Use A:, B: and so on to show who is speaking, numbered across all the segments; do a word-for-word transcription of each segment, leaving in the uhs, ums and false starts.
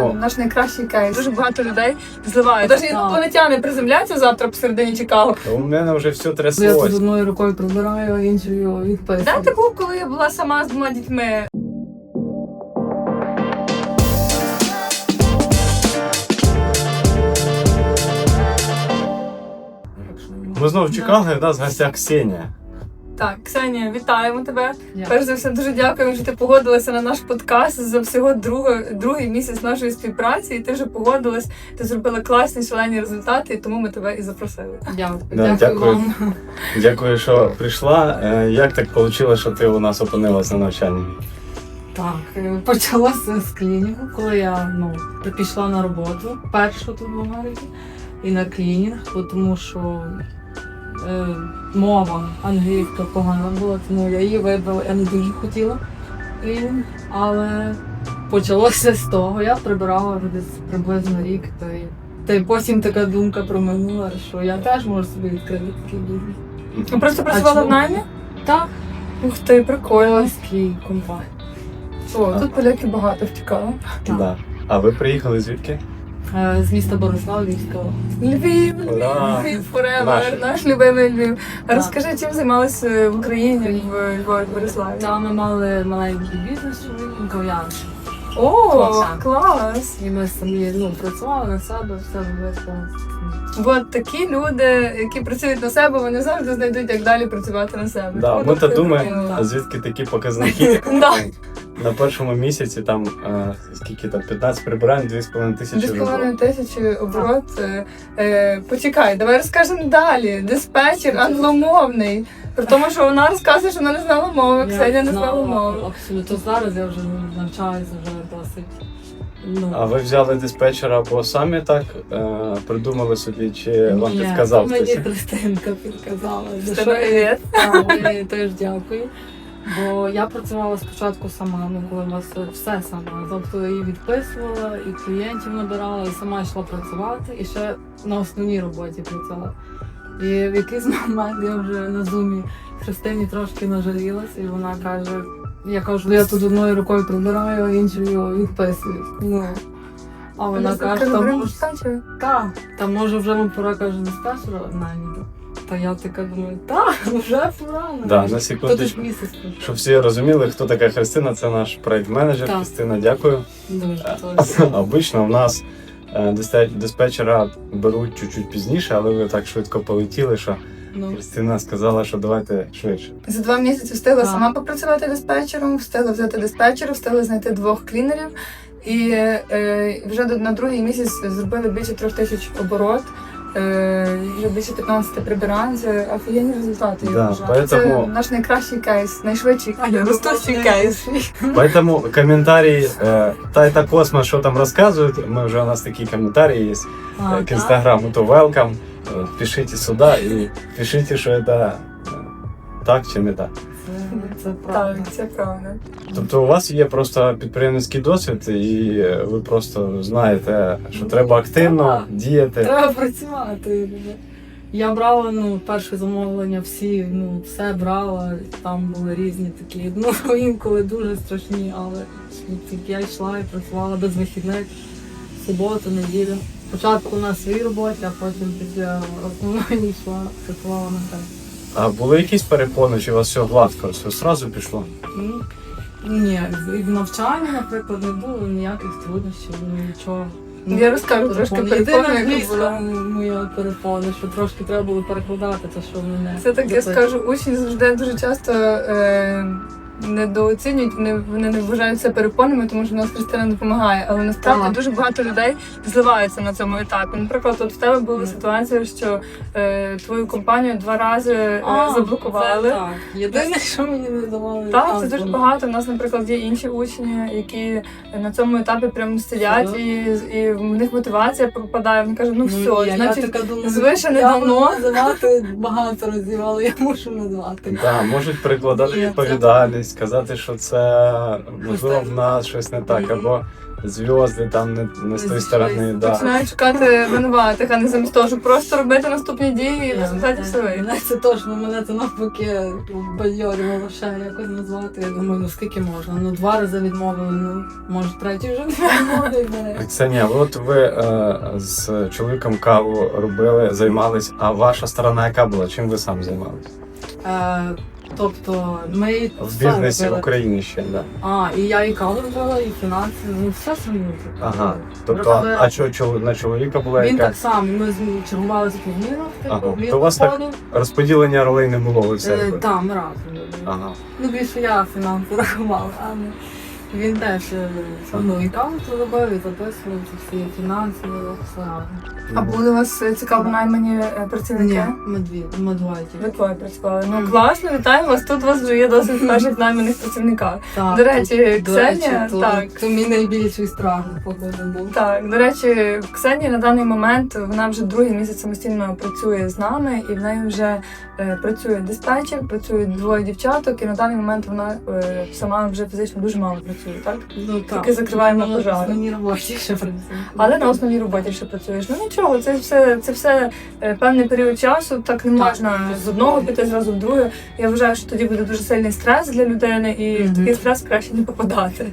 A: Поэтому...
B: наш найкращий кейс. Дуже багато людей зливають. Навіть інопланетяни приземляться завтра посередині Чикаго.
A: У мене вже все
C: Я
A: тряслось.
C: тут одною рукою прибираю, а іншою відписую.
B: Де ти був, коли я була сама з двома дітьми?
A: Ми знову в Чикаго, і в нас в гостях Ксенія.
B: Так, Ксенія, вітаємо тебе.
C: Дякую.
B: Перш за все, дуже дякуємо, що ти погодилася на наш подкаст за всього друго, другий місяць нашої співпраці, і ти вже погодилась, ти зробила класні, шалені результати, і тому ми тебе і запросили.
C: Дякую.
A: Да,
C: Дякую
A: дякую.
C: вам.
A: Дякую, що прийшла. Е, Як так вийшло, що ти у нас опинилась на навчанні?
C: Так, е, почалося з клінінгу, коли я ну, пішла на роботу, першу тут в Америці, і на клінінг, бо тому що е, мова англійська погана була, тому я її вибрала, я не дуже хотіла клінінг, але почалося з того, я прибирала десь приблизно рік, та й, та й потім така думка проминула, що я теж можу собі відкрити такий бізнес.
B: Ну, просто працювала в
C: чому?
B: наймі?
C: Так,
B: Ух ти, прикольно.
C: ось компанії.
B: О, тут поляки багато втікало.
C: Так.
A: Да. А ви приїхали звідки?
C: Е, З міста Борислав, Львівська область.
B: Львів,
A: Ура!
B: Львів, forever,
A: Наш.
B: наш любимий Львів. А
C: Так.
B: розкажи, чим займалися в Україні, в Львові, в Бориславі?
C: Там ми мали маленький бізнес, чоловік, кав'ярню.
B: О,
C: Так.
B: клас!
C: І ми самі ну, працювали на себе, все робили.
B: Бо такі люди, які працюють на себе, вони завжди знайдуть, як далі працювати на себе.
A: Да,
B: Тому
A: ми то
B: це
A: думаємо,
B: прикольно.
A: а звідки такі показники.
B: Да.
A: На першому місяці там е, скільки там п'ятнадцять прибирань, дві з половиною тисячі
B: Дві з
A: вже було.
B: половиною тисячі оборот. Е, е, почекай, давай розкажемо далі. Диспетчер англомовний. При тому, що вона розказує, що вона не знала мови, Ксенія не знала мови.
C: Абсолютно. Зараз я вже навчаюся вже досить. Ну,
A: А ви взяли диспетчера, бо самі так е, придумали собі, чи вам
C: ні,
A: підказав
C: мені
A: хтось?
C: Христинка підказала. За що
B: Тебе
C: я
B: привіт.
C: Так, я їй теж дякую. Бо я працювала спочатку сама, ну коли у вас все сама. Тобто її відписувала, і клієнтів набирала, і сама йшла працювати, і ще на основній роботі працювала. І в якийсь момент я вже на зумі Христині трошки нажалілась, і вона каже, я кажу, я тут одною рукою прибираю, а іншою відписую. Ну, а вона каже, там може, та, та може вже вам пора, каже, диспетчера найміти. Та я така думаю, так, вже пора.
A: Да, на
C: Хто
A: секундочку.
C: тут місяць пройшов?
A: Щоб всі розуміли, хто така Христина, це наш проект-менеджер.
C: Так.
A: Христина, дякую.
C: Дуже точно.
A: Обично в нас е, дисте- диспетчера беруть чуть-чуть пізніше, але ви так швидко полетіли, що
C: Ну,
A: Христина сказала, що давайте швидше.
B: За два місяці встигла
C: Так.
B: сама попрацювати диспетчером, встигла взяти диспетчера, встигла знайти двох клінерів. І е, вже до- на другий місяць зробили більше трьох тисяч оборот, е, вже більше п'ятнадцять прибирань. Це офігенні результати, я
A: Да,
B: вважаю. Це
A: поэтому-
B: наш найкращий кейс, найшвидший
C: А я
B: ростущий
C: думала,
B: кейс.
A: Поэтому комментарии э, Тайта Космос, что там рассказывают, мы уже у нас такие комментарии есть
C: а,
A: э, к
C: так?
A: Инстаграму, то welcome, э, пишите сюда и пишите, что это э, так чи не так.
C: Це, це
B: Так,
C: правда.
B: це правда.
A: Тобто у вас є просто підприємницький досвід, і ви просто знаєте, що треба активно
C: Так.
A: діяти.
C: Треба працювати. Я брала ну, перше замовлення, всі, ну, все брала, там були різні такі, ну, інколи дуже страшні, але ну, я йшла і працювала без вихідних, суботу, неділю. Спочатку на своїй роботі, а потім після основної йшла, працювала на те.
A: А були якісь перепони, чи у вас все гладко, все одразу пішло?
C: Ну, ні, і в навчанні, наприклад, не було ніяких труднощів, ну, нічого. Ну,
B: Я розкажу трошки
C: Єдина
B: перепони, яка
C: англійська
B: була.
C: моя перепона, що трошки треба було перекладати те, що мене.
B: Це так, я скажу, учні завжди дуже часто е, недооцінюють, вони, вони не вважають це перепонами, тому що в нас Христина допомагає. Але насправді
C: Так.
B: дуже багато людей зливаються на цьому етапі. Наприклад, от в тебе була ситуація, що е, твою компанію два рази е,
C: А,
B: заблокували.
C: це так. Єдине, що мені не давали.
B: Так, це
C: азбуку.
B: дуже багато. У нас, наприклад, є інші учні, які на цьому етапі прямо сидять,
C: Ага.
B: і, і в них мотивація пропадає. Вони кажуть, ну все,
C: я,
B: значить,
C: я така думаю,
B: звише не
C: я
B: давно.
C: можу називати багато разів, але я мушу назвати.
A: Да, можуть перекладати
C: Ні, це-
A: відповідальність, казати, що це можливо в нас щось не так,
C: Мгм.
A: або зв'язки там не, не з тої сторони. Да.
B: Починають шукати винуватих, а не замість того, щоб просто робити наступні дії і в результаті все вийде.
C: Мене це точно, мене це навпаки бадьорювало ще якось назвати. Я думаю, ну скільки можна? Ну два рази відмовили, ну може третій вже не відмовили.
A: Ксенія, от ви е, з чоловіком каву робили, займались, а ваша сторона яка була? Чим ви сам займалися?
C: Е, Тобто ми
A: В
C: все
A: бізнесі в
C: робили.
A: Україні ще, да.
C: А, і я і каву робила, і фінанси, ну все самі.
A: Ага. Тобто,
C: Робили.
A: а що, чол- на чоловіка була
C: Він
A: яка?
C: так само, ми з- чергувалися по змінах,
A: Ага.
C: типу, він
A: То у вас так
C: виходив.
A: Розподілення ролей не було, ви все
C: Е,
A: робили?
C: Так, ми разом робили.
A: Ага.
C: Ну, більше я фінанси рахувала, а не він теж е, ну, і каву робив, і записував ці всі фінанси, все разом.
B: А були у вас е, цікаво наймані е, працівники?
C: Ні, ми дві, ми двоє
B: Ви
C: тільки.
B: двоє працювали. Ну класно, вітаємо вас. Тут у вас вже є досить перших найманих працівників.
C: Так,
B: До речі,
C: до
B: Ксенія,
C: речі, то,
B: так.
C: Це мій найбільший страх, походу, був.
B: Так, до речі, Ксенія на даний момент вона вже другий місяць самостійно працює з нами, і в неї вже е, працює диспетчер, працюють двоє дівчаток, і на даний момент вона е, сама вже фізично дуже мало працює, так?
C: Ну, так.
B: Тільки закриваємо
C: Ну,
B: пожари.
C: Мені роботі ще працює.
B: Але на основній роботі ще працюєш. Ну нічого, це все, це все е, певний період часу. Так не
C: Так.
B: можна з одного піти зразу в друге. Я вважаю, що тоді буде дуже сильний стрес для людини, і в
C: Мгм.
B: такий стрес краще не попадати.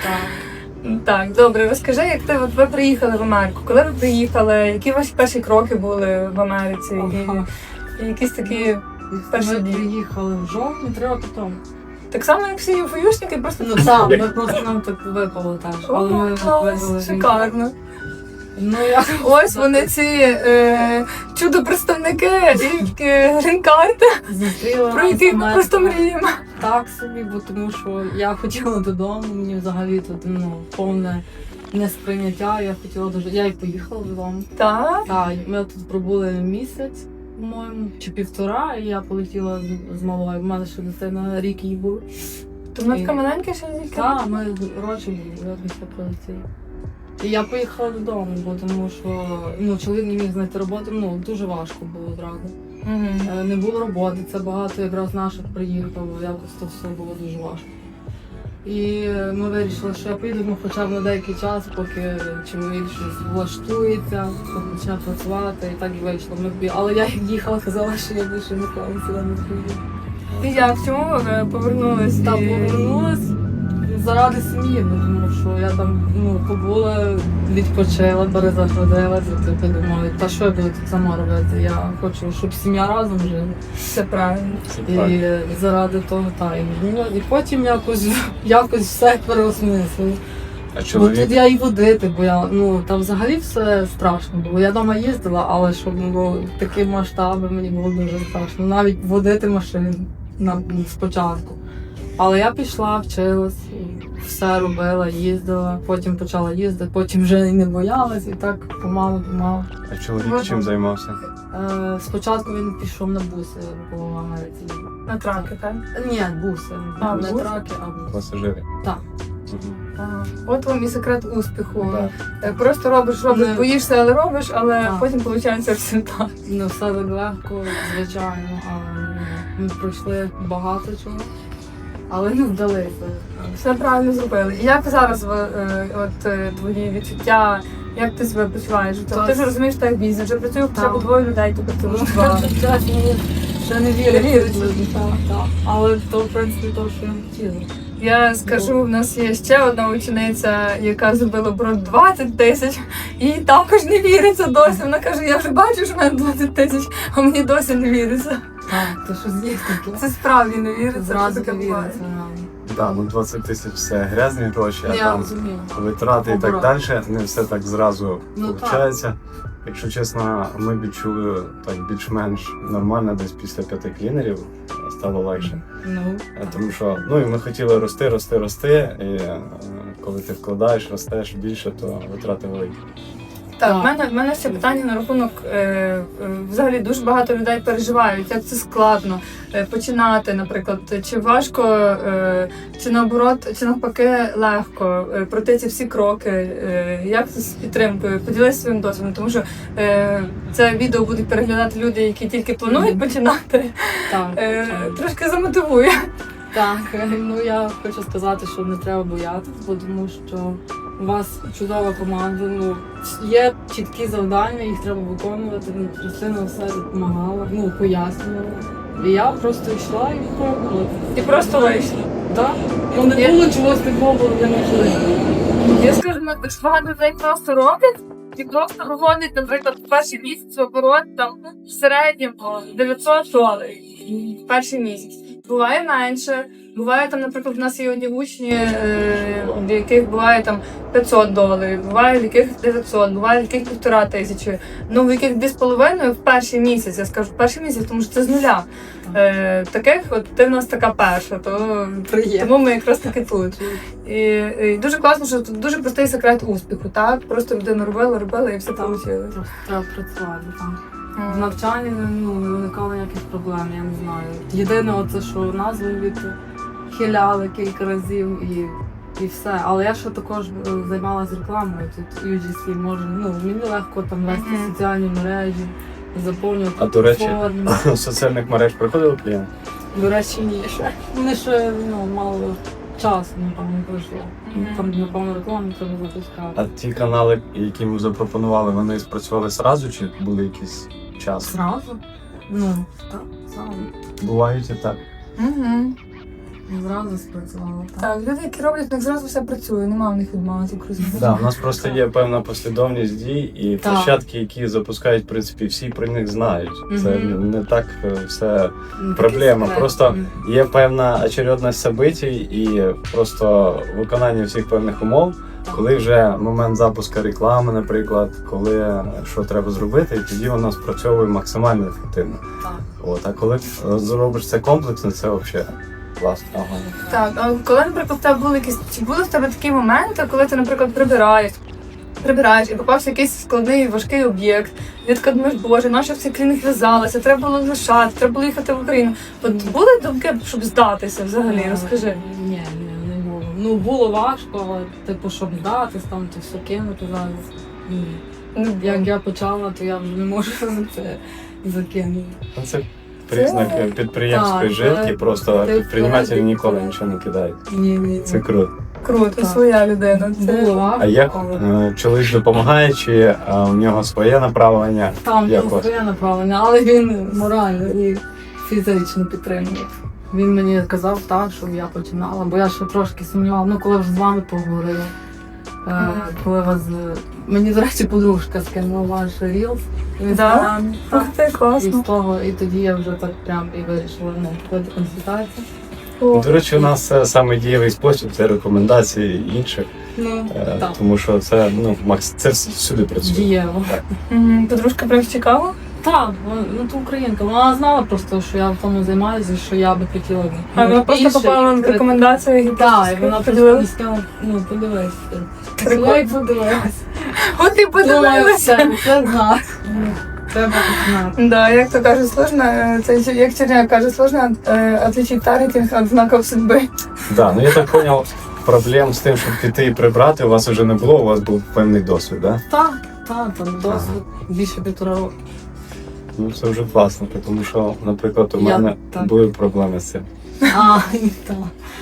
C: Так.
B: Так, добре, розкажи, як ти от ви приїхали в Америку? Коли ви приїхали? Які ваші перші кроки були в Америці?
C: Ага.
B: І, і якісь такі перші
C: Ми
B: дні?
C: приїхали в жовтні, три роки тому.
B: Так само, як всі ЮФОюшники, просто
C: Ну так, ми просто нам так випало теж. Але ми
B: О, клас,
C: визвали.
B: шикарно.
C: Ну я
B: Ось вони ці е, чудо-представники і е, грін-карти,
C: зустріла
B: про яких ми
C: Америку.
B: просто мріємо.
C: Так собі, бо тому що я хотіла додому, мені взагалі тут ну, повне несприйняття. Я хотіла дуже. Я і поїхала додому.
B: Так.
C: Так, ми тут пробули місяць, по-моєму, чи півтора, і я полетіла з, з малою. У мене ще дитина рік їй був.
B: То вона така маленька ще не
C: Так, ми родичі були, я після прилетіли. І я поїхала додому, бо тому що ну, чоловік не міг знайти роботу, ну дуже важко було одразу. Е, Не було роботи, це багато якраз наших приїхало, якось то все було дуже важко. І ми вирішили, що я поїду ну, хоча б на деякий час, поки чоловік щось влаштується, почне працювати, і так і вийшло. Ми бі- Але я як їхала, казала, що я більше ніколи сюди не приїду.
B: І як чому ви повернулись?
C: Та
B: І-
C: повернулась заради сім'ї, бо тому що я там ну, побула, відпочила, перезагрузилася, типу думаю, та що я буду тут сама робити? Я хочу, щоб сім'я разом жила.
B: Все правильно.
A: Це так.
C: І заради того, та, і, ну, і потім якось, якось все переосмислила.
A: А
C: Бо тут
A: чоловік?
C: я і водити, бо я, ну, там взагалі все страшно було. Я вдома їздила, але щоб було такі масштаби, мені було дуже страшно. Навіть водити машину на, спочатку. Але я пішла, вчилась, і все робила, їздила, потім почала їздити, потім вже і не боялась, і так помалу-помалу.
A: А чоловік чим займався?
C: Е, спочатку він пішов на буси по Америці.
B: На траки, так?
C: Ні, буси.
B: А,
C: не
B: буси?
C: траки, а буси.
A: Пасажири?
C: Так.
A: Мгм.
B: Ага. От вам і секрет успіху.
A: Да.
B: Е, Просто робиш, робиш,
C: Не-
B: боїшся, але робиш, але
C: Так.
B: потім виходить результат.
C: Не все так легко, звичайно, але ну, ми пройшли багато чого, але не вдалися.
B: Все правильно зробили. І як зараз ви, е, от е, твої відчуття, як ти себе почуваєш? Тобто,
C: Так.
B: ти ж розумієш, що так бізнес, вже працює хоча б
C: Так.
B: двоє людей, тобто ти
C: Ну,
B: вже два.
C: чесно, мені ще не
B: Не
C: вірить.
B: віриться.
C: Так, так. Але то, в принципі, то, що я хотіла.
B: Я скажу, в нас є ще одна учениця, яка зробила оборот двадцять тисяч, і їй також не віриться досі. Вона каже, я вже бачу, що в мене двадцять тисяч, а мені досі не віриться.
C: Так, то щось є таке.
B: Це справді не віриться, що
C: Зразу
B: таке
C: не
B: буває.
C: віриться. реально.
A: Да, ну двадцять тисяч це грязні гроші, а
C: Я
A: там
C: розумію.
A: витрати і так
C: Оборот.
A: далі. Не все так зразу
C: Ну,
A: виходить. Якщо чесно, ми відчули так більш-менш нормально десь після п'яти клінерів стало легше.
C: Ну,
A: Е, Тому що ну і ми хотіли рости, рости, рости. І е, коли ти вкладаєш, ростеш більше, то витрати великі.
B: Так,
C: Так.
B: в мене, в мене ще питання на рахунок. Е, е, взагалі дуже багато людей переживають, як це складно е, починати, наприклад, чи важко, е, чи наоборот, чи навпаки легко е, пройти ці всі кроки. Е, як це з підтримкою? Поділися своїм досвідом, тому що е, це відео будуть переглядати люди, які тільки планують починати.
C: так.
B: Е,
C: звичайно.
B: трошки замотивує.
C: Так, ну я хочу сказати, що не треба боятися, бо тому що у вас чудова команда, ну, є чіткі завдання, їх треба виконувати. Ну, Христина все допомагала, ну, пояснювала. І я просто йшла і пробувала.
B: І просто вийшла.
C: Так? Ну, не було чогось такого для можливого.
B: Я скажу, ну, так багато людей просто роблять, і просто виводять, наприклад, в перший місяць оборот там в середньому дев'ятсот доларів в перший місяць. Буває менше, буває там, наприклад, в нас є одні учні, е, в яких буває там п'ятсот доларів, буває в яких дев'ятсот, буває в яких півтора тисячі, ну в яких дві з половиною в перший місяць, я скажу, в перший місяць, тому що це з нуля. Е, таких, от ти в нас така перша, то
C: Приємно.
B: тому ми якраз таки тут. І, і дуже класно, що тут дуже простий секрет успіху, так? Просто людина робила, робила і все
C: Так.
B: вийшло.
C: Просто треба працювати там. В навчанні ну, не виникало ніяких проблем, я не знаю. Єдине, оце, що назву від хиляли кілька разів і, і все. Але я ще також е, займалася рекламою тут ю джі сі. Може, ну, мені легко там вести
B: Мгм.
C: соціальні мережі, заповнювати
A: А, до речі,
C: форми.
A: з соціальних мереж приходили клієнти?
C: До речі, ні, ще. Вони ще ну, мало часу, напевно, пройшло.
B: Мгм.
C: Там, напевно, рекламу треба запускати.
A: А ті канали, які ми запропонували, вони спрацювали зразу чи були якийсь час?
C: Зразу? Ну, так, зразу.
A: Бувають і так.
B: Угу.
C: Зразу спрацювало, так.
B: Так, люди, які роблять, в них зразу все працює, немає в них відмови.
A: Да, у нас просто є певна послідовність дій і
C: Так.
A: площадки, які запускають, в принципі, всі про них знають. Це
C: Мгм.
A: не так е, все
C: Ну,
A: проблема.
C: такий
A: Просто
C: секрет.
A: є певна очередність событий і просто виконання всіх певних умов, коли вже момент запуску реклами, наприклад, коли що треба зробити, і тоді воно спрацьовує максимально ефективно.
C: Так.
A: От, а коли е, зробиш це комплексно, це взагалі класно.
B: Так, а коли, наприклад, в тебе були якісь, чи були в тебе такі моменти, коли ти, наприклад, прибираєш, прибираєш і попався якийсь складний, важкий об'єкт, і ти така думаєш, боже, наша в цей клінік в'язалася, треба було лишати, треба було їхати в Україну. От були думки, щоб здатися взагалі,
C: Е,
B: розкажи.
C: Ні, ні, не було. Ну, було важко, але, типу, щоб дати, там, це все кинути зараз. Ні.
B: Ну,
C: Як я почала, то я вже не можу це закинути.
A: Ну, Це признак
B: Це-
A: підприємської
C: Так,
A: жилки,
C: це-
A: просто
C: це
A: підприємці
C: вперед,
A: ніколи
C: це-
A: нічого не кидають.
C: Ні, ні.
A: Це круто.
B: Круто,
C: Так.
B: своя людина. Це...
C: Було важко,
A: А як
C: але
A: е, чоловік допомагає, чи е, у нього своє направлення?
C: там
A: як
C: не
A: вас?
C: своє направлення, але він морально і фізично підтримував. Він мені казав так, щоб я починала, бо я ще трошки сумнівала, ну коли вже з вами поговорила. Е,
B: Мгм.
C: коли вас з- мені, до речі, подружка скинула ваш рілс в
B: Да?
C: інстаграмі.
B: Ух
C: Так.
B: ти,
C: І з
B: класно.
C: того, і тоді я вже так прям і вирішила ну, ходити консультацію.
B: О,
A: До речі, у нас це саме дієвий спосіб, це рекомендації інших,
C: Ну,
A: е,
C: так,
A: тому що це ну макс, це всюди працює.
C: дієво.
B: мгм. Подружка прям цікава?
C: Так, вона- ну то українка. Вона знала просто, що я в тому займаюся, і що я би хотіла. ну,
B: А вона просто
C: більше
B: попала в
C: відкрити.
B: рекомендації і
C: Так, і вона просто
B: поділилась.
C: сказала, ну подивись.
B: Прикольно.
C: Я й подивилась.
B: От і
C: Думаю,
B: подивилася.
C: все, це знак. Ну, Треба починати.
B: Да, як то кажуть, сложно, е, це як Черняк каже, сложно е, отличить таргетинг від знаків судьби.
A: Да, ну я так зрозумів, проблем з тим, щоб піти і прибрати, у вас вже не було, у вас був певний досвід, да?
C: Так, так, там досвід більше півтора року.
A: Ну це вже класно, тому що, наприклад, у
C: Я-
A: мене
C: так.
A: були проблеми з цим.
C: А, так.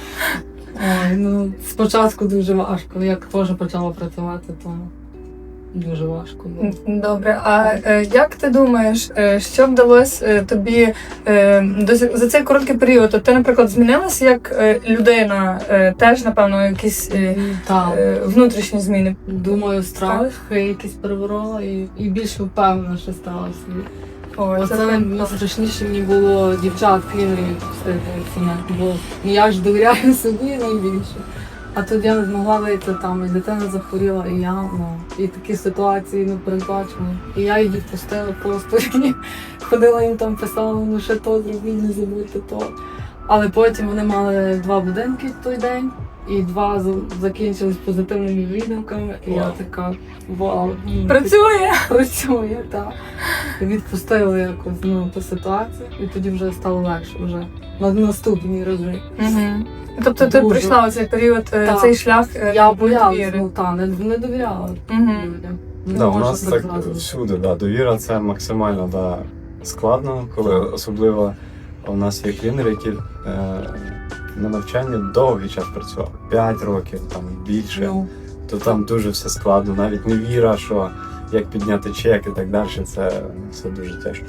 C: Ой, ну спочатку дуже важко. Як теж почала працювати, то дуже важко було.
B: Добре, а е, як ти думаєш, е, що вдалося е, тобі е, до, за цей короткий період? От ти, наприклад, змінилася як е, людина, е, теж, напевно, якісь е,
C: Так.
B: е, внутрішні зміни?
C: Думаю, страхи якісь переборола і, і більше впевнена, що стала собі.
B: Ой,
C: Оце
B: прям
C: найстрашніше мені було дівчат клінерів встигнути, бо ну, я ж довіряю собі найбільше. А тут я не змогла вийти там, і дитина захворіла, і я, ну, і такі ситуації не передбачені. І я її пустила просто, і ходила їм там, писала, ну ще то зробіть, не забудьте то. Але потім вони мали два будинки в той день, і два з- закінчились позитивними відгуками, і я
A: Вау.
C: така, вау, ну,
B: працює.
C: працює, так. І відпустили якось ну, ту ситуацію, і тоді вже стало легше вже на наступній рази.
B: Угу. Тобто ти
C: Дуже.
B: пройшла цей період, е,
C: Так.
B: цей шлях е,
C: Я боялась,
B: довіри.
C: ну та не, не довіряла
B: Мгм.
C: людям. Не
A: Да, у
C: можна
A: нас так
C: зразу.
A: всюди, да, довіра це максимально да, складно, коли особливо у нас є клінери, які е, на навчанні довгий час працювали. П'ять років, там більше.
C: Ну,
A: то там дуже все складно, навіть не віра, що як підняти чек і так далі, це, це дуже тяжко.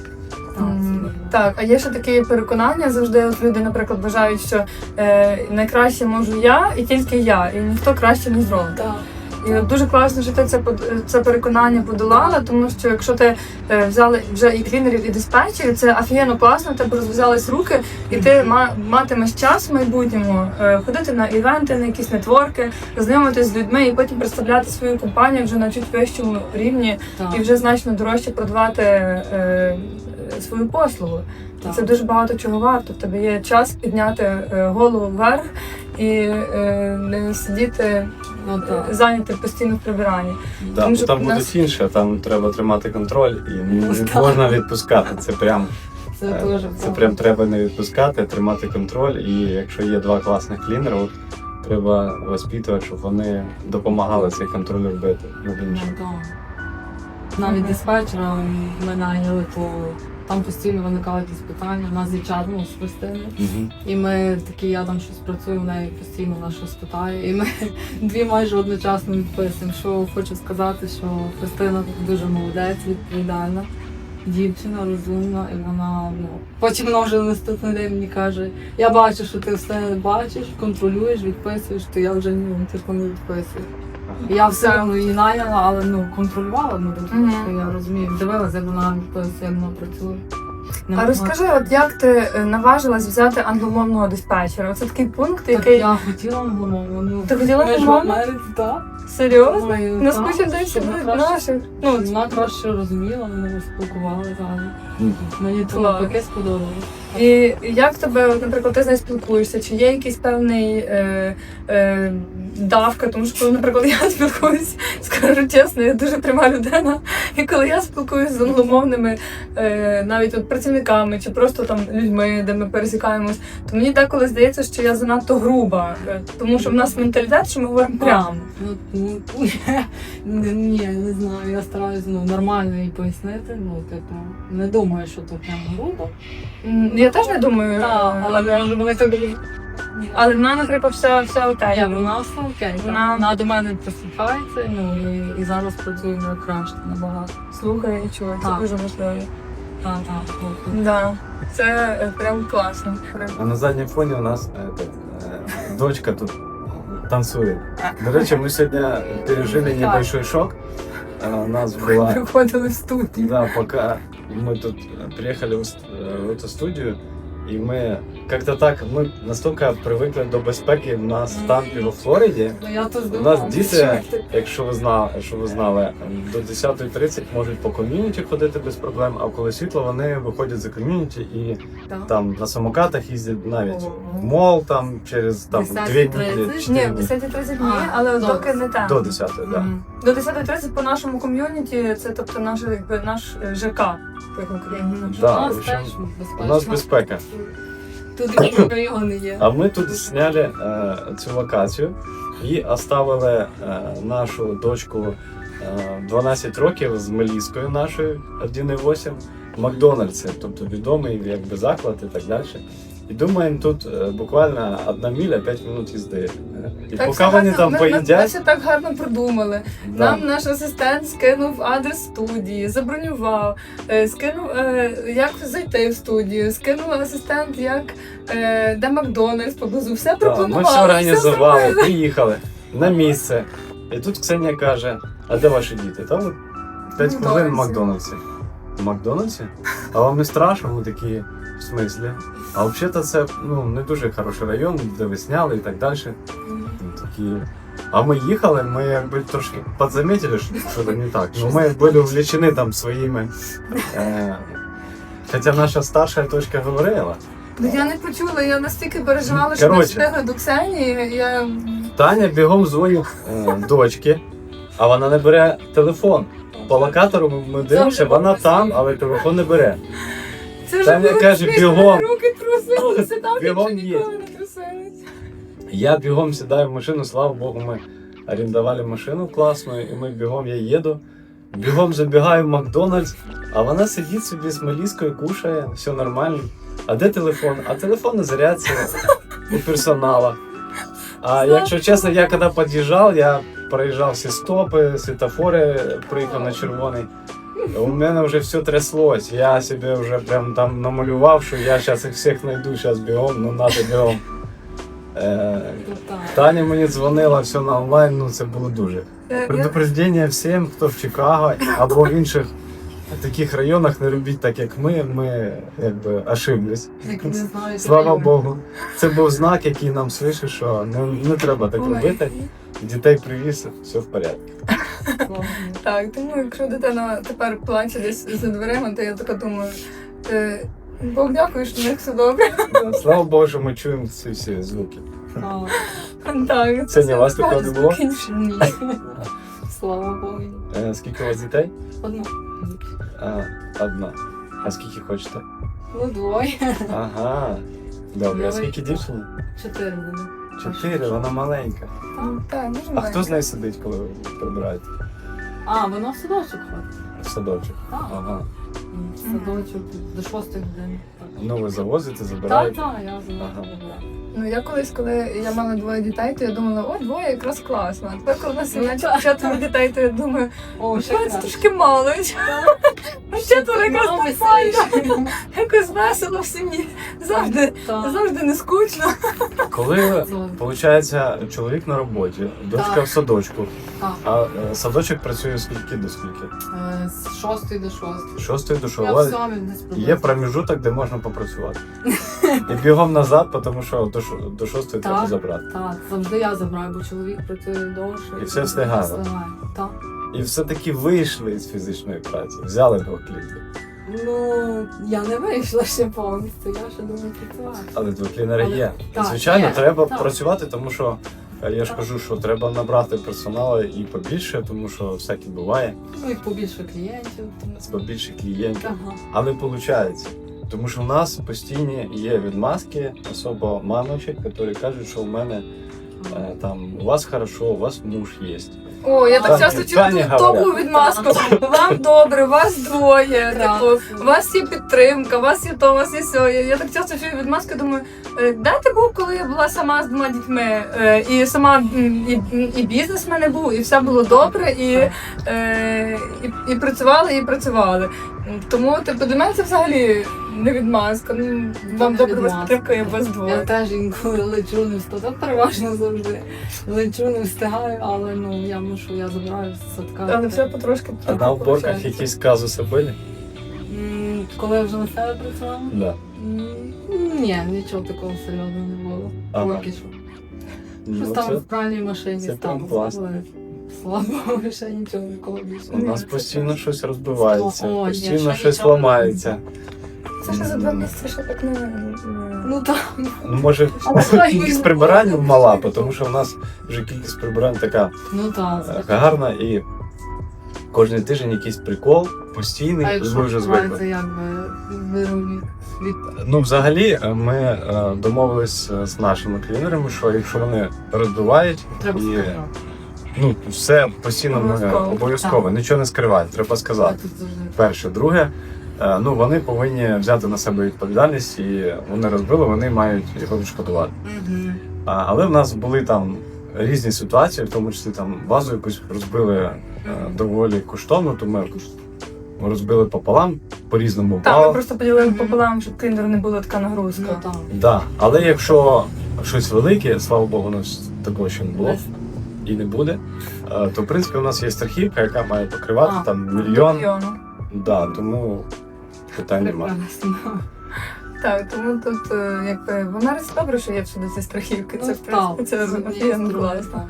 B: М, Так, а є ще такі переконання завжди. От люди, наприклад, вважають, що е, найкраще можу я і тільки я, і ніхто краще не зробить.
C: Так.
B: І от дуже класно, що ти це под- це переконання подолала, тому що якщо ти е, взяла вже і клінерів, і диспетчерів, це офігенно класно, в тебе розв'язались руки, і ти ма- матимеш час в майбутньому е, ходити на івенти, на якісь нетворки, знайомитись з людьми і потім представляти свою компанію вже на чуть вищому рівні
C: Так.
B: і вже значно дорожче продавати е, свою послугу.
C: Так.
B: Це дуже багато чого варто. В тебе є час підняти е, голову вверх і е, не сидіти
C: Ну, так.
B: зайняти постійно в прибиранні.
A: Да,
B: Тому
A: бо
B: що
A: там
B: в
A: буде
B: нас-
A: інше, там треба тримати контроль і не
C: Так.
A: можна відпускати. Це прям,
C: Це
A: е,
C: дуже
A: це прям треба не відпускати, тримати контроль. І якщо є два класних клінери, от, треба воспитувати, щоб вони допомагали цей контроль робити над іншим.
C: Ну, так. Навіть диспетчера ми найняли, то там постійно виникали якісь питання. У нас є чат, ну, з Христиною.
A: Мгм.
C: І ми такі, я там щось працюю, в неї постійно вона щось питає. І ми дві майже одночасно відписуємо. Що хочу сказати, що Христина дуже молодець, відповідальна дівчина, розумна, і вона, ну, потім вона вже наступний день мені каже, я бачу, що ти все бачиш, контролюєш, відписуєш, то я вже ну, типу, не відписую. І я все одно її найняла, але ну, контролювала, ну, тому
B: Мгм.
C: що я розумію, дивилася, як вона відписує, як вона працює. Не
B: А
C: могла.
B: розкажи, от як ти е, наважилась взяти англомовного диспетчера? Це такий пункт,
C: Так
B: який
C: я хотіла англомовну. Ну,
B: Ти хотіла
C: ми ж в
B: англомовну?
C: Америці, так.
B: серйозно?
C: Ой,
B: На
C: так,
B: скучі десь
C: щоб вона краще-
B: наших. Ну,
C: Вона краще розуміла, ми спілкувалися разом.
A: Мгм.
C: Мені це
B: Клас.
C: навпаки сподобалося.
B: і як тебе, от, наприклад, ти з нею спілкуєшся? Чи є якийсь певний е, е, давка? Тому що коли, наприклад, я спілкуюсь, скажу чесно, я дуже пряма людина. І коли я спілкуюся з англомовними е, навіть от працівниками чи просто там людьми, де ми пересікаємось, то мені деколи здається, що я занадто груба, е, тому що в нас менталітет, що ми говоримо прямо.
C: Ну, ну, ні, ні, не знаю, я стараюся ну, нормально їй пояснити. Ну, типу, не думаю, що то прям грубо.
B: М, Я теж не думаю,
C: Так,
B: е,
C: але може вони так.
B: але в мене, наприклад, все, все окей.
C: Я вона все окей.
B: Вона-
C: Вона... вона до мене прислухається, ну і, і зараз працює вже краще набагато.
B: Слухай і чує, це
C: Так.
B: дуже важливо.
C: Так, так, слухаю.
B: Да, це е, прям класно. Прям.
A: А на заднем фоне у нас э, так, э, дочка тут танцует. До речі, мы сегодня пережили небольшой шок. Э, У нас была...
B: Приходили в студію.
A: Да, пока мы тут приехали в, ст- в эту студию, и мы как-то так, мы настолько привыкли до безпеки. У нас в Тампі во Флориді.
C: Ну, я теж
A: У
C: думала,
A: нас діти, якщо ви знали, що ви знали, до десята тридцять можуть по ком'юніті ходити без проблем, а коли світло, вони виходять за ком'юніті і
C: Так.
A: там на самокатах їздять навіть
C: Ого.
A: в мол там через там
C: десята
A: дві
C: тридцять?
A: неділі,
B: Ні,
A: чотири
B: в
A: дні.
B: десята тридцять ні,
C: А,
B: але
C: добре.
B: доки не там.
A: До десятої, так.
C: Мгм.
B: До десята тридцять по нашому ком'юніті, це тобто наш, якби, наш е, ЖК. як в Україні.
A: Да,
C: У
A: в
C: нас
A: общем,
C: теж безпечно.
A: У нас безпека.
C: Тут райони є.
A: А ми тут зняли е, цю локацію і оставили е, нашу дочку е, дванадцять років з Меліскою нашою один і вісім в Макдональдсі, тобто відомий якби заклад і так далі. І думаємо, тут е, буквально одна міля, п'ять хвилин їзди. Е, І
B: Так
A: поки
B: все
A: вони
B: гарно-
A: там
B: ми, ми, ми
A: поїдять,
B: все так гарно придумали.
A: да,
B: Нам наш асистент скинув адрес студії, забронював, е, скинув, е, як зайти в студію, скинув асистент, як е, де Макдональдс поблизу. Все
A: да,
B: пропонували.
A: ми все організували,
B: зробили.
A: приїхали на місце. І тут Ксенія каже: а де ваші діти? Та от п'ять
B: В
A: хвилин в
B: Макдональдсі.
A: Макдональдсі. В Макдональдсі? А вам не страшно? Ми такі, в смислі? А взагалі це ну, не дуже хороший район, де ви сняли і так далі. Ну, такі. А ми їхали, ми якби трошки подзаметили, що що не так. Ну, ми були увлечені там своїми. Е, хоча наша старша дочка говорила.
B: Ну, я не почула, я настільки переживала, що ми
A: Коротше.
B: встигли до Ксенії. Я...
A: Таня бігом дзвонить е, дочці, а вона не бере телефон. По локатору ми- ми дивимося, вона там, але телефон не бере.
B: Це вже
A: Таня
B: було
A: каже,
B: смішно,
A: бігом.
B: руки трусилися, там
A: Бігом
B: вже
A: є.
B: ніколи не трусились.
A: Я бігом сідаю в машину, слава Богу, ми орендували машину класну, і ми бігом, я їду. Бігом забігаю в Макдональдс, а вона сидить собі з Меліскою, кушає, все нормально. А де телефон? А телефон на зарядці у персонала. А якщо чесно, я коли під'їжджав, я проїжджав всі стопи, світофори, приїхав на червоний. У мене вже все тряслось. Я собі вже прям там намалював, що я зараз їх всіх знайду, зараз бігом, ну надо бігом. Е,
C: Ну, так.
A: Таня мені дзвонила, все на онлайн, ну це було дуже.
B: Е, я-
A: Предупреждення всім, хто в Чикаго або в інших таких районах, не робіть так, як ми. Ми якби ошиблись.
C: Як не знаю,
A: Слава
C: райони.
A: Богу. Це був знак, який нам свише, що не, не треба так
B: Ой.
A: робити. Дітей привіз, все в порядку.
C: Слава Богу.
B: Так, тому якщо дитина тепер плаче десь за дверима, то я така думаю, е, Бог дякую, що в них все добре.
A: Слава Богу, що ми чуємо ці всі звуки.
C: Так.
B: Так,
A: Це не у вас такого не було?
C: Ні. Слава Богу.
A: Е, Скільки у вас дітей?
C: Одна.
A: А, одна. А скільки хочете?
C: Ну, двоє.
A: Ага. Добре, а скільки дівчині?
C: Чотири буде.
A: Чотири, вона маленька.
B: Так, дуже
A: А
B: маленька.
A: хто з нею сидить, коли ви прибираєте?
C: А, вона в садочок ходить.
A: В садочок.
C: Так.
A: Ага.
C: В садочок до шостої години. Так.
A: Ну ви завозите,
C: Так,
A: забираєте?
C: так, я
A: Ага.
C: забрала.
B: Ну я колись, коли я мала двоє дітей, то я думала, о, двоє якраз класно. А тепер, коли у нас
C: Ну,
B: є
C: так.
B: четверо дітей, то я думаю,
C: О, ще
B: що це
C: краще.
B: трошки мало. Четверо якраз
C: Мами
B: нормально.
C: сидять.
B: Якось весело в сім'ї. Завжди,
C: Так.
B: завжди не скучно.
A: Коли, виходить, чоловік на роботі, дочка
C: Так.
A: в садочку,
C: Так.
A: а е, садочок працює скільки до скільки?
C: Е, З шостої до шостої.
A: З шостої до
C: Я
A: шостої.
C: в сьомій десь приблизно.
A: Є проміжуток, де можна попрацювати. І бігом назад, тому що до, ш- до шостої
C: Так.
A: треба забрати.
C: Так, завжди я забираю, бо чоловік працює довше.
A: І все встигає.
C: встигає. Так.
A: І все-таки вийшли з фізичної праці, взяли двох клінерів.
C: Ну, я не вийшла ще повністю, я ще думаю працювати.
A: Але два клінери
C: Але-
A: є.
C: так,
A: Звичайно,
C: є,
A: треба
C: так.
A: працювати, тому що е, я ж кажу, що треба набрати персоналу і побільше, тому що всяке буває,
C: Ну і побільше клієнтів. тому-
A: побільше клієнтів.
C: Ага.
A: Але виходить, тому що в нас постійні є відмазки, особо мамочок, які кажуть, що у мене е, там у вас хорошо, у вас муж є.
B: О, я так
A: Тані-
B: часто чую
A: Тані
B: ту
A: говорять.
B: топову відмазку. Вам добре, вас двоє.
C: Прекрасно.
B: Типу, у вас є підтримка, у вас є то, у вас є сьо. Я, я так часто чую відмазку, думаю, е, де ти був, коли я була сама з двома дітьми? Е, І сама м, і, і бізнес в мене був, і все було добре, і, е, і, і працювали, і працювали. Тому типу, до мене це взагалі не відмазка. Ну, вам
C: Не
B: добре, у вас
C: відмазка.
B: підтримка, і у вас
C: Я
B: двоє.
C: теж інколи лечу не встигаю, переважно завжди. Лечу не встигаю, але ну я мушу, я забираю з садка.
B: Але все потрошки.
A: А на уборках
B: получається.
A: якісь казуси були?
C: М, Коли я вже на себе працювала?
A: Да.
C: М, Ні, нічого такого серйозного не було.
A: Ага.
C: Поки що.
A: Ну,
C: Щось там в пральній машині
A: це
C: стало.
A: прям класно.
C: але, Слава Богу, ще нічого ніколи більше.
A: У нас постійно щось розбивається,
C: О, ні,
A: постійно
C: ще
A: щось
C: нічого.
A: ламається.
B: Це ще за два місяці ще так не. не-
C: Ну так.
A: Ну, може, кількість прибирань мала, тому що в нас вже кількість прибирань така
C: Ну так.
A: е, гарна і кожен тиждень якийсь прикол, постійний,
C: А
A: і
C: якщо
A: ми вже звикли.
C: це якби вирубі від
A: Ну, взагалі, е, ми е, домовились е, з нашими клінерами, що якщо вони розбивають,
C: треба
A: і
C: сказати.
A: ну, все постійно ми
B: Обов'язково.
A: обов'язково, нічого не скривають, треба сказати.
C: Тут завжди.
A: Перше, друге, е, ну вони повинні взяти на себе відповідальність, і вони розбили, вони мають його відшкодувати.
C: Мгм.
A: А, але в нас були там різні ситуації, в тому числі там вазу якусь розбили е, доволі коштовно, то ми розбили пополам, по-різному
B: Так, ми
A: впало.
B: просто поділили
C: Мгм.
B: пополам, щоб кліндеру не була така нагрузка.
C: Ну так.
A: Да. Але якщо щось велике, слава Богу, у нас такого ще не було
C: Десь.
A: і не буде, е, то в принципі у нас є страхівка, яка має покривати
C: А,
A: там
B: До
A: мільйон.
B: мільйону.
A: Да, тому питань немає.
C: Прекрасно.
B: Так, тому тут е, якби в Америці добре, що є всюди ці страхівки. Це
C: Ну,
B: в принципі
C: так,
B: це
C: з однієї
B: офігенно
C: сторони,
B: класно.
C: так.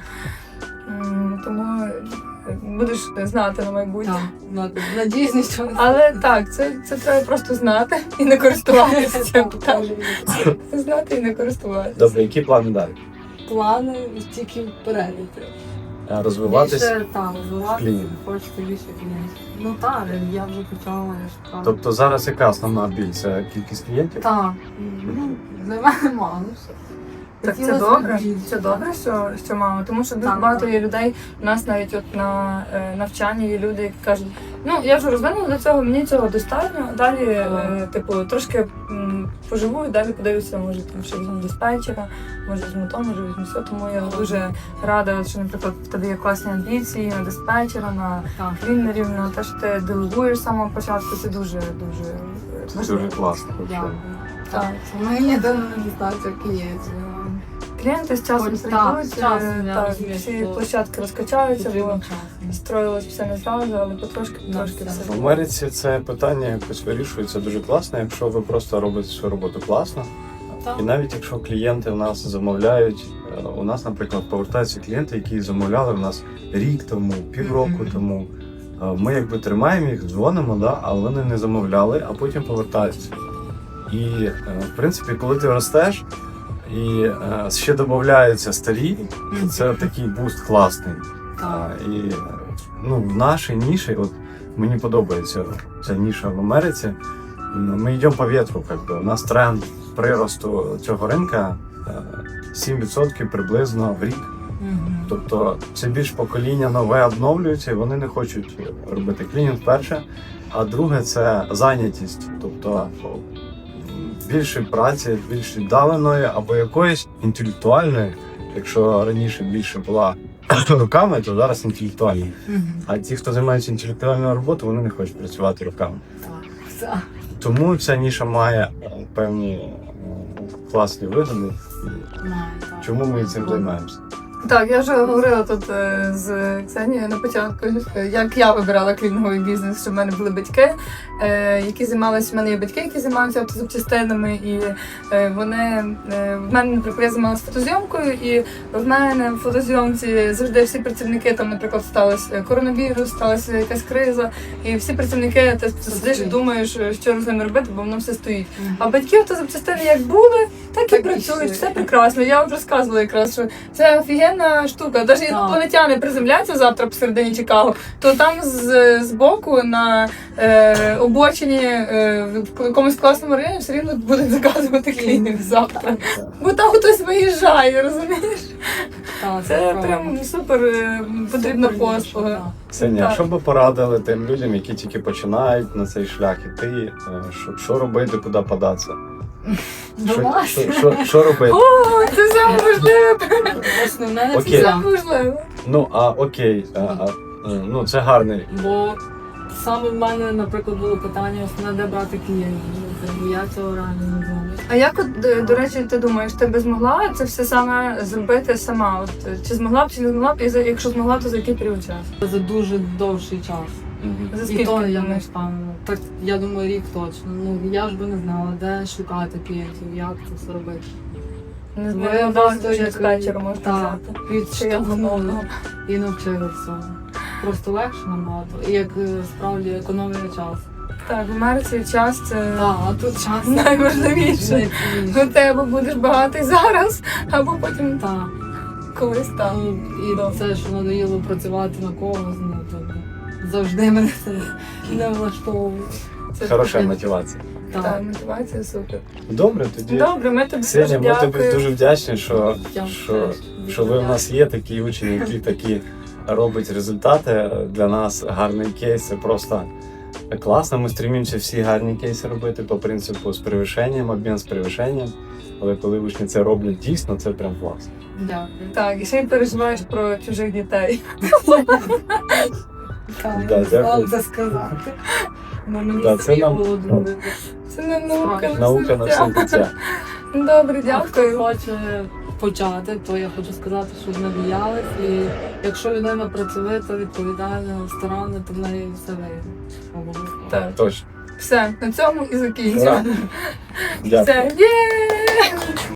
B: М, Тому е, будеш знати на майбутнє.
C: Так, ну, надіюсь, нічого не
B: Але так, це, це треба просто знати і не користуватися цим. Так, знати і не користуватися.
A: Добре, які плани далі?
C: Плани тільки вперед йти.
A: Е, Розвиватись?
C: Більше, так, розвиватися,
A: клієнтів.
C: хочеться більше клієнтів. Ну так, я вже почала, я шукала.
A: Тобто зараз яка основна біль? Це кількість клієнтів?
C: Так, ну, для мене мало, ну все.
B: Так це
C: Хотілося б
B: добре,
C: більше.
B: це добре, що, що мало, тому що дуже
C: Так,
B: багато
C: так.
B: є людей. У нас навіть от на е, навчанні є люди, які кажуть, ну я вже розвинула до цього, мені цього достатньо. Далі, е, типу, трошки м, там поживу і далі подивлюся, може там ще візьму диспетчера, може візьму то, може візьму все. Тому я дуже рада, що, наприклад, в тебе є класні амбіції на диспетчера, на
C: Так.
B: клінерів, на те, що ти делегуєш з самого початку. Це дуже дуже
A: Це дуже класно.
C: Дякую.
B: Так.
C: Так. Ми єдина недостаток клієнтів.
B: Клієнти з часом
C: Ось так,
B: прийдуть,
C: з часом,
B: е,
C: я
B: так,
C: розумію,
B: всі
C: що
B: площадки розкачаються, бо
C: Потрібен час.
B: строїлось все не зразу, але потрошки
C: Да,
B: потрошки
C: все.
B: все.
A: В Америці це питання якось вирішується дуже класно, якщо ви просто робите свою роботу класно.
C: Так.
A: І навіть якщо клієнти в нас замовляють, е, у нас, наприклад, повертаються клієнти, які замовляли в нас рік тому, півроку
C: Мгм.
A: тому. Е, Ми якби тримаємо їх, дзвонимо, да, але вони не замовляли, а потім повертаються. І е, в принципі, коли ти ростеш і е, ще додаються старі, то це такий буст класний.
C: Так.
A: А, І е, ну, в нашій ніші, от мені подобається ця ніша в Америці. М, Ми йдемо по вітру, как би. У нас тренд приросту цього ринка е, сім відсотків приблизно в рік.
C: Мгм.
A: Тобто це більш покоління нове обновлюється, і вони не хочуть робити клінінг перше. А друге це зайнятість. Тобто м, більше праці, більш віддаленої або якоїсь інтелектуальної. Якщо раніше більше була руками, то зараз інтелектуальні.
C: Мгм.
A: А ті, хто займається інтелектуальною роботою, вони не хочуть працювати руками.
C: Так. Все.
A: Тому ця ніша має е, певні е, класні вигоди.
C: Має, так.
A: Чому ми цим займаємося?
B: Так, я вже говорила тут е, з Ксенією на початку, е, як я вибирала клінінговий бізнес, що в мене були батьки, е, які займалися, в мене є батьки, які займаються автозапчастинами, і е, вони, е, в мене, наприклад, я займалася фотозйомкою, і в мене в фотозйомці завжди всі працівники, там, наприклад, сталося коронавірус, сталася якась криза, і всі працівники, ти сидиш і думаєш, що з ними робити, бо воно все стоїть.
C: Мгм.
B: А батьки автозапчастини як були, так і
C: Так і
B: працюють,
C: йшли.
B: все прекрасно. Я вам розказувала якраз, що це офігенна штука. Навіть інопланетяни приземляться завтра посередині Чикаго, то там з, з боку на е, обочині е, в якомусь класному районі все рівно будуть заказувати клінінг завтра. Бо там хтось виїжджає, розумієш?
C: Так,
B: Це
C: правда.
B: прям супер е, потрібна
C: Супер ніша,
B: послуга.
C: так.
A: Ксенія,
B: Так.
A: що би порадили тим людям, які тільки починають на цей шлях іти, е, що, що робити, куди податися? Що,
C: Домашнє.
A: що, що, що робити?
B: О, це саме важливе.
C: Основне не
A: Окей.
B: Це
C: це.
B: важливо.
A: Ну, а окей, а, а, е, ну це гарний.
C: Бо саме в мене, наприклад, було питання, основне, де брати клієнтів. Бо я цього реально не знаю.
B: А як от, до- до речі, ти думаєш, ти би змогла це все саме зробити сама? От, чи змогла б, чи не змогла б, і за- якщо змогла, то за який період часу?
C: За дуже довший час.
A: Мгм.
B: За
C: І
B: скільки
C: то
B: ти
C: я не
B: думаєш?
C: впевнена. Так, я думаю, рік точно. Ну, я ж би не знала, де шукати клієнтів, як це все робити.
B: Не
C: Ми
B: знаю,
C: просто
B: просто
C: як-
B: диспетчера можна
C: Так,
B: взяти.
C: відштовхнули
B: Чи
C: і навчили всього. Просто легше набагато. І як е, справді економія час.
B: Так, в Америці час це
C: Так, а тут час
B: найважливіше.
C: найцінніше.
B: Ну, ти або будеш багатий зараз, або потім
C: Так.
B: колись там.
C: Ну, і це, що надоїло працювати на когось, ну, то завжди мене це не влаштовує.
B: Це
A: Хороша
B: таке.
A: мотивація.
B: Так,
C: Так.
B: мотивація супер.
A: Добре, тоді.
B: Добре, ми тобі
A: Ксенія,
B: дуже
A: ми тобі
B: дякуємо.
A: дуже вдячні, що,
C: Я
A: що,
C: теж
A: що ви в нас є такі учні, які такі роблять результати. Для нас гарний кейс. Це просто класно. Ми стремимося всі гарні кейси робити по принципу з перевищенням, обмін з перевищенням. Але коли учні це роблять дійсно, це прям класно.
C: Дякую.
B: Так, і ще й переживаєш про чужих дітей.
C: Так,
A: Да,
C: я не знала
A: дякую.
C: це сказати. Ну, мені
A: Да, це
C: самі
A: нам-
C: було дуже.
B: Це не наука, на
A: Наука на все життя.
B: Добре,
C: А хто
B: дякую.
C: хоче почати, то я хочу сказати, що не боялись. І якщо людина працьовита, відповідальна, старанна, то в неї все вийде. Обов'язково.
B: Так,
A: Точно.
B: все, на цьому і закінчимо.
A: Дякую.
B: Все, є!